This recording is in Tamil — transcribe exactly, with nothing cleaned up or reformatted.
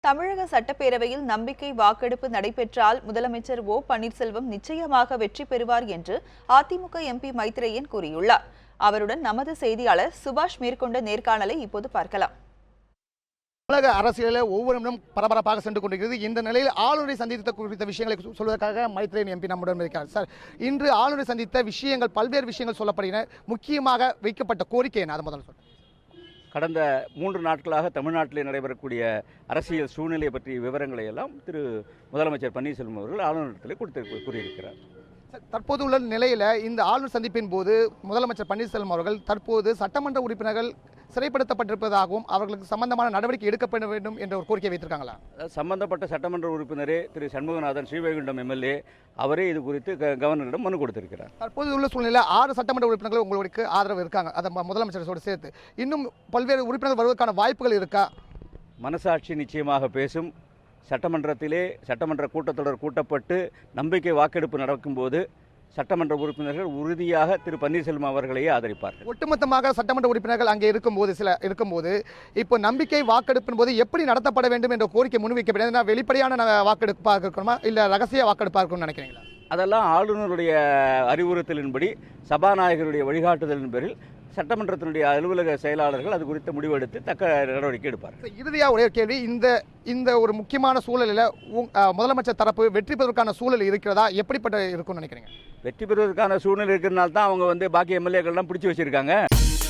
தமிழக சட்டப்பேரவையில் நம்பிக்கை வாக்கெடுப்பு நடைபெற்றால் முதலமைச்சர் ஓ பன்னீர்செல்வம் நிச்சயமாக வெற்றி பெறுவார் என்று அதிமுக எம்பி மைத்ரேயன் கூறியுள்ளார். அவருடன் நமது செய்தியாளர் சுபாஷ் மேற்கொண்ட நேர்காணலை இப்போது பார்க்கலாம். தமிழக அரசியலில் ஒவ்வொரு நிமிடம் பரபரப்பாக சென்று கொண்டிருக்கிறது. இந்த நிலையில் ஆளுநரை சந்தித்த குறித்த விஷயங்களை சொல்வதற்காக மைத்ரேயன் எம்பி நம்முடன் இருக்கிறார். சார், இன்று ஆளுநரை சந்தித்த விஷயங்கள், பல்வேறு விஷயங்கள் சொல்லப்படுகின்றன. முக்கியமாக வைக்கப்பட்ட கோரிக்கை என்ன? அதை முதல்ல சொல்லுங்கள். கடந்த மூன்று நாட்களாக தமிழ்நாட்டிலே நடைபெறக்கூடிய அரசியல் சூழ்நிலை பற்றிய விவரங்களை எல்லாம் திரு முதலமைச்சர் பன்னீர்செல்வம் அவர்கள் ஆளுநரிடத்தில் கொடுத்து கூறியிருக்கிறார். தற்போது உள்ள நிலையில் இந்த ஆளுநர் சந்திப்பின் போது முதலமைச்சர் பன்னீர்செல்வம் அவர்கள் தற்போது சட்டமன்ற உறுப்பினர்கள் சிறைப்படுத்தப்பட்டிருப்பதாகவும் அவர்களுக்கு சம்பந்தமான நடவடிக்கை எடுக்கப்பட வேண்டும் என்ற ஒரு கோரிக்கை வைத்திருக்காங்களா? சம்பந்தப்பட்ட சட்டமன்ற உறுப்பினரே திரு சண்முகநாதன் ஸ்ரீவைகுண்டம் எம்எல்ஏ அவரே இது குறித்து கவர்னரிடம் மனு கொடுத்திருக்கிறார். தற்போது உள்ள சூழ்நிலை ஆறு சட்டமன்ற உறுப்பினர்கள் உங்களுக்கு ஆதரவு இருக்காங்க, அதை முதலமைச்சரோடு சேர்த்து இன்னும் பல்வேறு உறுப்பினர்கள் வருவதற்கான வாய்ப்புகள் இருக்கா? மனசாட்சி நிச்சயமாக பேசும். சட்டமன்றத்திலே சட்டமன்ற கூட்டத்தொடர் கூட்டப்பட்டு நம்பிக்கை வாக்கெடுப்பு நடக்கும்போது சட்டமன்ற உறுப்பினர்கள் உறுதியாக திரு பன்னீர்செல்வம் அவர்களையே ஆதரிப்பார்கள். ஒட்டுமொத்தமாக சட்டமன்ற உறுப்பினர்கள் அங்கே இருக்கும்போது சில இருக்கும்போது இப்போ நம்பிக்கை வாக்கெடுப்பின் போது எப்படி நடத்தப்பட வேண்டும் என்ற கோரிக்கை முன்வைக்கப்படும். வெளிப்படையான வாக்கெடுப்பாக இருக்கணுமா இல்லை ரகசிய வாக்கெடுப்பாக இருக்கணும்னு நினைக்கிறீங்களா? அதெல்லாம் ஆளுநருடைய அறிவுறுத்தலின்படி, சபாநாயகருடைய வழிகாட்டுதலின் பேரில் சட்டமன்றத்தினுடைய அலுவலக செயலாளர்கள் அது குறித்த முடிவெடுத்து தக்க நடவடிக்கை எடுப்பார்கள். இறுதியாக ஒரே கேள்வி, இந்த இந்த ஒரு முக்கியமான சூழலில் முதலமைச்சர் தரப்பு வெற்றி பெறுவதற்கான சூழல் இருக்கிறதா? எப்படிப்பட்ட இருக்கும்னு நினைக்கிறீங்க? வெற்றி பெறுவதற்கான சூழ்நிலை இருக்கிறதுனால தான் அவங்க வந்து பாக்கி எம்எல்ஏக்கள்லாம் பிடிச்சி வச்சிருக்காங்க.